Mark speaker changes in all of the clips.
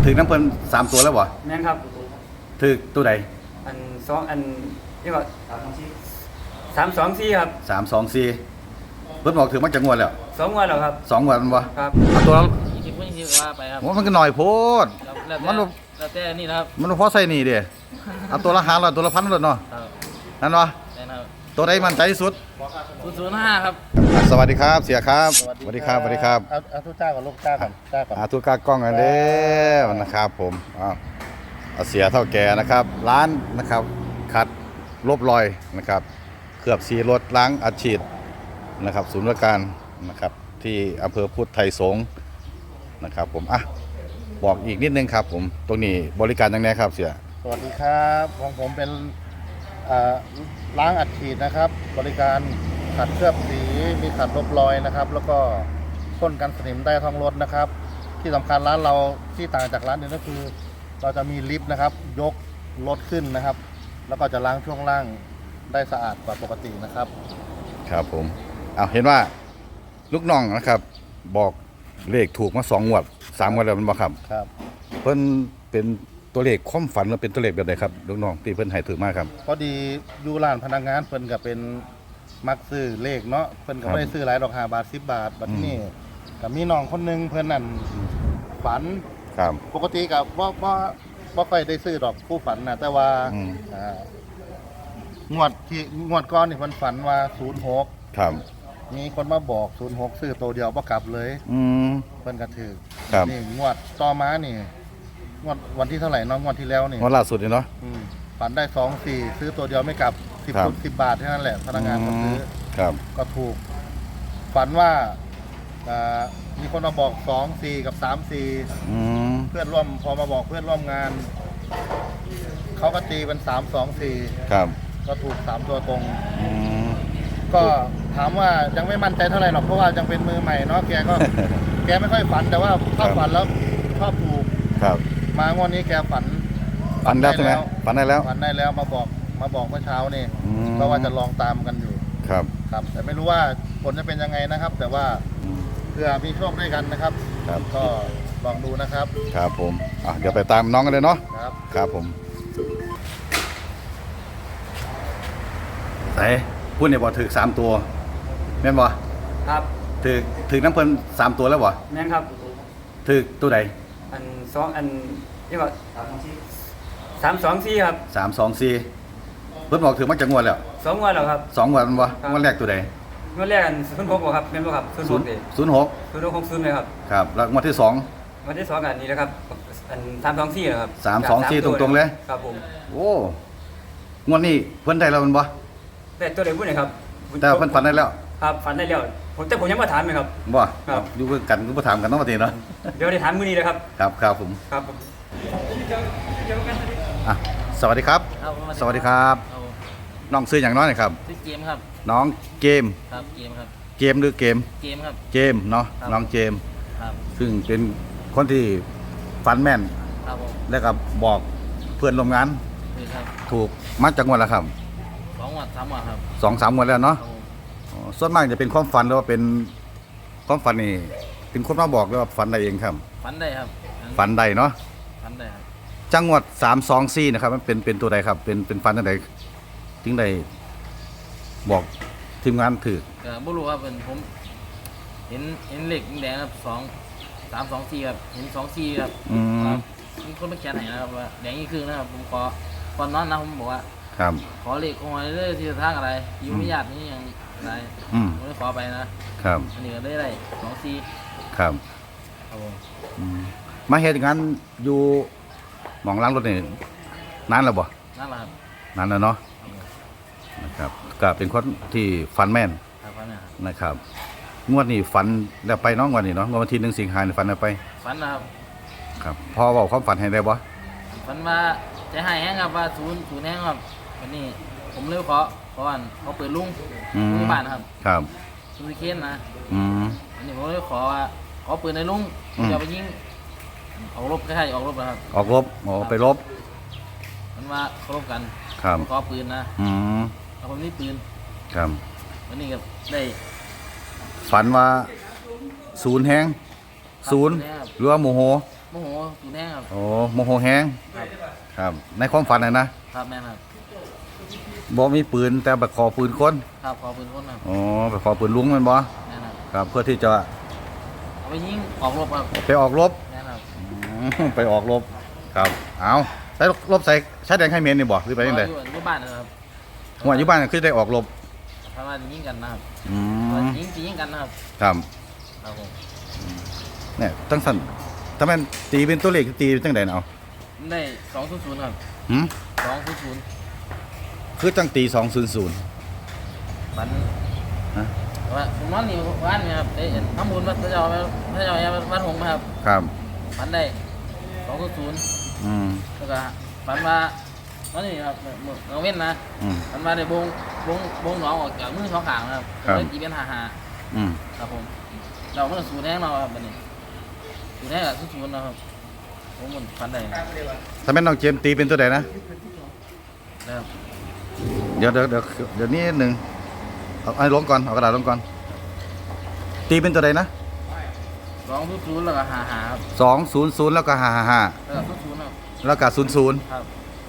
Speaker 1: ถึงน้ำเพิ่น3ตัวแล้วบ่
Speaker 2: แม่นครับ
Speaker 1: ถึกตัวใด
Speaker 2: อันสองอันนี่ก็324ครับ
Speaker 1: 324เพิ่นบอกถึงมันจะงวดแล้ว
Speaker 2: 2งวดแล้วครับ
Speaker 1: 2งวดมันบ่
Speaker 2: ครับ
Speaker 1: เอาตัวละ
Speaker 3: 20ว่าไปครับ
Speaker 1: มันก็น้อยโพด
Speaker 3: มันแล้วแต่นี่นะครับ
Speaker 1: มันพอใส่นี่เด้เอาตัวละ500ตัวละ1,000เลยเนาะนั่นบ่ตัวใดมั่นใจที่สุด
Speaker 3: 005ครับ
Speaker 1: สวัสดีครับเสียครับสวัสดีครับ
Speaker 4: เอาทุกเจ้ากับลูกเจ้าก่อน
Speaker 1: ทุกกากล้องกันเด้อนะครับผมเอาเสียเท่าแก่นะครับร้านนะครับขัดลบรอยนะครับเคลือบสีรถล้างอัดฉีดนะครับศูนย์บริการนะครับที่อำเภอพุทธไทยสงฆ์นะครับผมบอกอีกนิดนึงครับผมตรงนี้บริการยังไงครับเสีย
Speaker 4: สวัสดีครับของผมเป็นล้างอัดฉีดนะครับบริการขัดเคลือบสีมีขัดลบรอยนะครับแล้วก็พ่นกันสนิมได้ท้องรถนะครับที่สำคัญร้านเราที่ต่างจากร้านอื่นก็คือเราจะมีลิฟต์นะครับยกรถขึ้นนะครับแล้วก็จะล้างช่วงล่างได้สะอาดกว่าปกตินะครับ
Speaker 1: ครับผมเห็นว่าลูกน้องนะครับบอกเลขถูกมา2 งวด 3 งวดแล้วมันบ่ครับ
Speaker 4: ครับ
Speaker 1: เพิ่นเป็นตัวเลขความฝันหรือเป็นตัวเลขแบบใดครับลูกน้องที่เพิ่นให้ถือมาครับ
Speaker 4: พอดีอยู่ร้านพนักงานเพิ่นก็เป็นมักซื้อเลขเนาะเพิ่นก็ไม่ได้ซื้อหลายดอก5 บาท10 บาทบัดนี้ก็มีน้องคนนึงเพิ่นนั่นฝัน
Speaker 1: ครับ
Speaker 4: ปกติก็บ่ค่อยได้ซื้อดอกผู้ฝันนะแต่ว่างวดก่อนนี่เพิ่นฝันว่า06
Speaker 1: ครับ
Speaker 4: มีคนมาบอก06ซื้อตัวเดียวบ่กลับเลยเพิ่นก็ถือนี่งวดต่อมานี่งวดวันที่เท่าไหร่น้องงวดที่แล้วนี่
Speaker 1: งวดล่าสุดนี่เนาะ
Speaker 4: ฝันได้24ซื้อตัวเดียวไม่กลับ10 บาทแค่นั้นแหละพนักงานก็ซื้อก็ถูกฝันว่ามีคนมาบอก24กับ34เพื่อนร่วมพอมาบอกเพื่อนร่วมงานเขาก็ตีเป็น324
Speaker 1: ครับ
Speaker 4: ก็ถูก3ตัวตรงก็ถามว่ายังไม่มั่นใจเท่าไหร่หรอกเพราะว่ายังเป็นมือใหม่เนาะแกไม่ค่อยฝันแต่ว่าถ้าฝันแล้วชอบถูก
Speaker 1: ครับ
Speaker 4: มางวดนี้แกฝัน
Speaker 1: แล้วใช่ไหมฝันได้แล้ว
Speaker 4: มาบอกเมื่อเช้านี่ก็ว่าจะลองตามกันอยู่
Speaker 1: ครับ
Speaker 4: แต่ไม่รู้ว่าผลจะเป็นยังไงนะครับแต่ว่าเพื่อมีโชคด้วยกันนะครับก็ลองดูนะครับ
Speaker 1: ครับผมเดี๋ยวไปตามน้องกันเลยเนาะครับผมไหนพูดเนี่ยบอกถือ3 ตัวแม่นบ่
Speaker 2: ครับ
Speaker 1: ถือน้ำเพิ่น3 ตัวแล้วบ่
Speaker 2: แม่นครับ
Speaker 1: ถือตัวใด
Speaker 2: อันนี่ก็324ครับ
Speaker 1: 324เพิ่นบอกถือมันจะงวดแล้ว
Speaker 2: 2งวดแล้วครับ
Speaker 1: 2 งวดมันบ่งวดแรกตัวใด
Speaker 2: งวดแรกอัน06บ่ครับแม่นบ่ครับ06เลยครับ
Speaker 1: ครับแล้วงวดที่2
Speaker 2: งวดที่2อันนี้นะครับอัน324นะครับ
Speaker 1: 324ตรงๆเลย
Speaker 2: ครับผม
Speaker 1: โอ้งวดนี้เพิ่นได้แล้วมันบ่
Speaker 2: แต่ตัวใดพูดหน่อยครับ
Speaker 1: แต่เพิ่นฝันได้แล้ว
Speaker 2: ครับฝันได้แล้วผมยังมาถามเลยครับ
Speaker 1: บ่อยู่กันก็บ่ถามกันเนาะว่าติเนาะ
Speaker 2: เดี๋ยวได้ถามมื้อนี้เลยครับ
Speaker 1: ครับผม
Speaker 2: ครับ
Speaker 1: สวัสดีครับสวัสดีครับน้องชื่ออย่างน้อยครับ
Speaker 3: ชื่อเกมครับ
Speaker 1: น้องเกม
Speaker 3: ครับเกมครับ
Speaker 1: เกมหรือเกม
Speaker 3: ครับ
Speaker 1: เกมเนาะน้องเกม
Speaker 3: ครับ
Speaker 1: ซึ่งเป็นคนที่ฝันแม่น
Speaker 3: ครับผม
Speaker 1: แล้วก็บอกเพื่อนร่วมงานถูกมาจากงวดแล้วครับ
Speaker 3: 2 งวด 3 งวดครับ
Speaker 1: 2-3 งวดแล้วเนาะส่วนมากจะเป็นความฝันหรือว่าเป็นความฝันนี่เป็นคนมาบอกหรือว่าฝันได้เองครับ
Speaker 3: ฝันได้ครับ
Speaker 1: ฝันได้เนาะ
Speaker 3: ฝันได้ครับ
Speaker 1: จังหวัด324นะครับมันเป็นตัวใดครับเป็นฝันอะไรถึงได้บอกทีมงานถือ
Speaker 3: ก็บ่รู้ครับผมเห็นเลขแดงครับ324ครับเห็น24ครับมีคนมาเขียนให้นะครับว่าแดงนี่คือนะครับผมขอก่อนนอนนะผมบอกว่า
Speaker 1: ครับ
Speaker 3: ขอเลขของอะไรเลยที่ทางอะไรอยู่ไม่ยากนี่ยังไรผมได้ขอไปนะครับอันนี้ก็ได้24
Speaker 1: ครับมาเฮ็ดงานอยู่หม่องล้างรถนี่นานแล้วบ่
Speaker 3: นานแล้วครับ
Speaker 1: นานแล้วเนาะนะครับก็เป็นคนที่ฝันแม่นนะครับงวดนี้ฝันแล้วไปน้องวันนี้เนาะวันที่1 สิงหาคมฝันแล้วไป
Speaker 3: ฝันนะครับ
Speaker 1: ครับพอเว้าความฝันให้ได้บ่
Speaker 3: ฝันว่าจะให้แห้งครับว่าศูนย์แห้งครับวันนี้ผมเลยขอเขาเปิดลุงที่บ้าน
Speaker 1: ครับ
Speaker 3: ซูซิเคนนะอันนี้ผมเลยขอปืนในลุงจะไปยิงออกรบใกล้ๆออกรบนะครับ
Speaker 1: ออกรบไปรบ
Speaker 3: มันว่าเขารบกันขอปืนนะแล้วผมนี่ปืน
Speaker 1: ครับ
Speaker 3: วันนี้ก็ได้
Speaker 1: ฝันว่าศูนย์แห้งศูนย์หรือว่าโมโห
Speaker 3: โมโหสูนแห้งครับ
Speaker 1: โอ้โมโหแห้ง
Speaker 3: ครับ
Speaker 1: ครับในความฝันนะครับ
Speaker 3: แม่นครับ
Speaker 1: บ่มีปืนแต่ไปขอปืนคน
Speaker 3: ครับขอปืนคนครับ
Speaker 1: อ๋อไปขอปืนลุงแมันบ่
Speaker 3: แม่นครับ
Speaker 1: ครับเพื่อที่จะ
Speaker 3: เอาไปยิงออกรบครับ
Speaker 1: ไปออกรบ
Speaker 3: แม่นครับ
Speaker 1: ไปออกรบครับเอาใช้รบใส่ใช้แดงให้เมนนี่บ่หรือไปยังไง
Speaker 3: อยู่บ้านนะครับ
Speaker 1: หัวอยู่บ้านคือได้ออกรบ
Speaker 3: เพราะว่ายิงกันนะครับ
Speaker 1: อืม
Speaker 3: ยิงกันนะครับ
Speaker 1: ครับ
Speaker 3: ครับผม
Speaker 1: เนี่ยตั้งสั้นถ้าแม่นตีเป็นตัวเลขตีเป็นจังได๋เอา
Speaker 3: ได้200ครับ
Speaker 1: หืม
Speaker 3: 200
Speaker 1: คือจังตี200
Speaker 3: ฝัน
Speaker 1: ฮะ
Speaker 3: ว่าผมนอนอยู่บ้านนี่ครับได้ทำบุญวัดพระเจ้าวัดหงส์ครับ
Speaker 1: ครับ
Speaker 3: ฝันได้200
Speaker 1: อืม
Speaker 3: แล้วก็ฝันว่าตอนนี้ครับเราเว้นนะ
Speaker 1: อืม
Speaker 3: ฝันว่าได้บงหนองออกจากมือสองข้างนะครับ
Speaker 1: ครับ
Speaker 3: เลยตีเป็นหา
Speaker 1: อืม
Speaker 3: ครับผมเราเมื่อสูนแห้งเราครับบัดนี้สูนแห้งกับสูนนะครับผมมันฝันได้
Speaker 1: ถ้าแม่นน้องเจมส์ตีเป็นตัวใดนะ
Speaker 3: นะครับ
Speaker 1: เดี๋ยวนี้หนึ่งเอาไอ้ลงก่อนเอากระดาษลงก่อนตีเป็นตัวใดนะ
Speaker 3: 200แล้วก็หาครับ
Speaker 1: 200แล้วก็555
Speaker 3: แล้วก็0ครับ
Speaker 1: แล้วก็00
Speaker 3: ครับ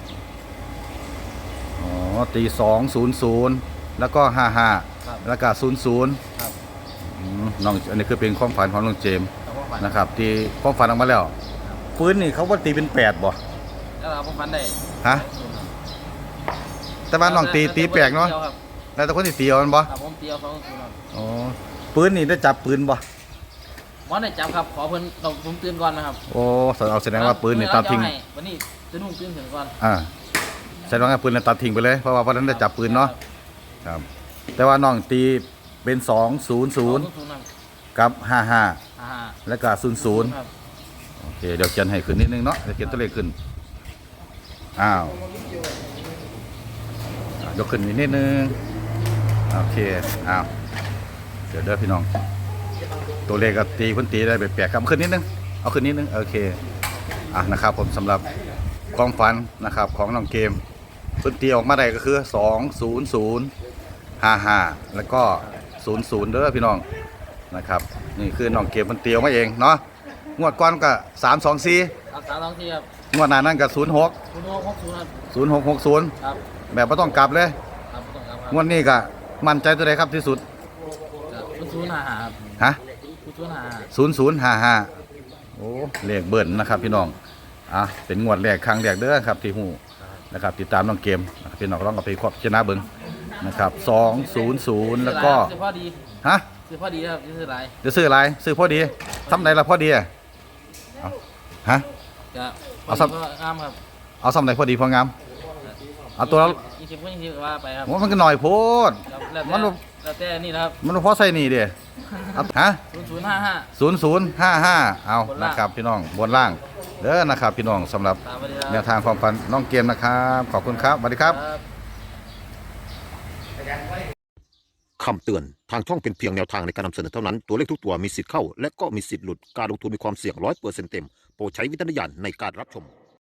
Speaker 1: อ๋อตี200แล้วก็55
Speaker 3: ครับ
Speaker 1: แล้วก็00
Speaker 3: ครับ
Speaker 1: น้องอันนี้คือเป็นความฝันของน้องเจมส์
Speaker 3: แล้วก็ฝัน
Speaker 1: นะครับที่ความฝันออกมาแล้วปืนนี่เขาว่าตีเป็น8บ่
Speaker 3: แล้วเราก็ฝันได้
Speaker 1: ฮะแต่ว่าน้องตีแปลกเนาะ
Speaker 3: ดียวครับ
Speaker 1: แล้วแต่คนที่ตีเอามันบ่
Speaker 3: ครับผมเตียว200ครับ
Speaker 1: อ๋อปืนนี่ได้จับปืนบ่
Speaker 3: หมอได้จับครับขอเพิ่นต้องผมตื่นก่อนนะครับ
Speaker 1: โอ้เอาแสดงว่าปืนนี่ตัดทิ้ง
Speaker 3: เอาให้วันนี้จะนุ่งตื่นถึงก่อน
Speaker 1: แสดงว่าปืนนี่ตัดทิ้งไปเลยเพราะว่าวันนั้นได้จับปืนเนาะครับแต่ว่าน้องตีเป็น200
Speaker 3: 200ครับ
Speaker 1: กับ55
Speaker 3: อ่า
Speaker 1: แล้วก็ 00
Speaker 3: ครับ
Speaker 1: โอเคเดี๋ยวเขียนให้ขึ้นนิดนึงเนาะเดี๋ยวเขียนตัวเลขขึ้นอ้าวยกขึ้นอีกนิดนึงโอเคอ้าวเดี๋ยวเด้อพี่น้องตัวเลขก็ตีเพิ่นตีได้แปลกๆครับขึ้นนิดนึงเอาขึ้นนิดนึงโอเคนะครับผมสำหรับความฝันนะครับของน้องเกมเพิ่นตีออกมาได้ก็คือ20055แล้วก็00เด้อพี่น้องนะครับนี่คือน้องเกมเพิ่นตีออกมาเองเนาะงวดก่อนก็324
Speaker 3: ครับ3 2 4ครับ
Speaker 1: งวดหน้านั้นก็06
Speaker 3: 0 6 60ครับ
Speaker 1: 0660
Speaker 3: ครับ
Speaker 1: แบบบ่ต้องกลับเลย
Speaker 3: ครับต้องครับ
Speaker 1: งวดนี้ก็มั่นใจตัวใดครับที่สุด
Speaker 3: 0 5 5ครับ
Speaker 1: ฮะ
Speaker 3: 0 5
Speaker 1: 0055โอ้เลขเบิ่นนะครับพี่น้องเป็นงวดแรกครั้งแรกเด้อครับที่ฮู้นะครับติดตามน้องเกมนะครับพี่น้องลองเอาไปครอบชนะเบิ่งนะครับ200แล้วก็
Speaker 3: ซื้อพอดี
Speaker 1: ฮะ
Speaker 3: ซื้อพอดีครับซื้อหลาย
Speaker 1: จะซื้ออะไรซื้อพอดีทำไหนละพอดีเอาฮะ
Speaker 3: จะ
Speaker 1: เอาสัก
Speaker 3: งามครับ
Speaker 1: เอาซ้ำไหนพอดีพองามเอาตัวละ
Speaker 3: 20ก็20ก็ว่าไปครับ
Speaker 1: ว่ามันก็หน่อยโพด
Speaker 3: แล้ว
Speaker 1: มันบ่
Speaker 3: แล้วแต่นี่นะครับ
Speaker 1: มันบ่พอใส่นี่เด้เอาฮะ
Speaker 3: 0055
Speaker 1: 0055เอา
Speaker 3: บนล่าง
Speaker 1: นะครับพี่น้องบนล่างเด้อนะครับพี่น้องสำหรับ
Speaker 3: ตามไปเลยครับ
Speaker 1: แนวทางความฝันน้องเกมนะครับขอบคุณครับสวัสดีครับ
Speaker 5: คำเตือน ทางช่องเป็นเพียงแนวทางในการนำเสนอเท่านั้น ตัวเลขทุกตัวมีสิทธิ์เข้า และก็มีสิทธิ์หลุด การลงทุนมีความเสี่ยง100%เต็ม โปรดใช้วิจารณญาณในการรับชม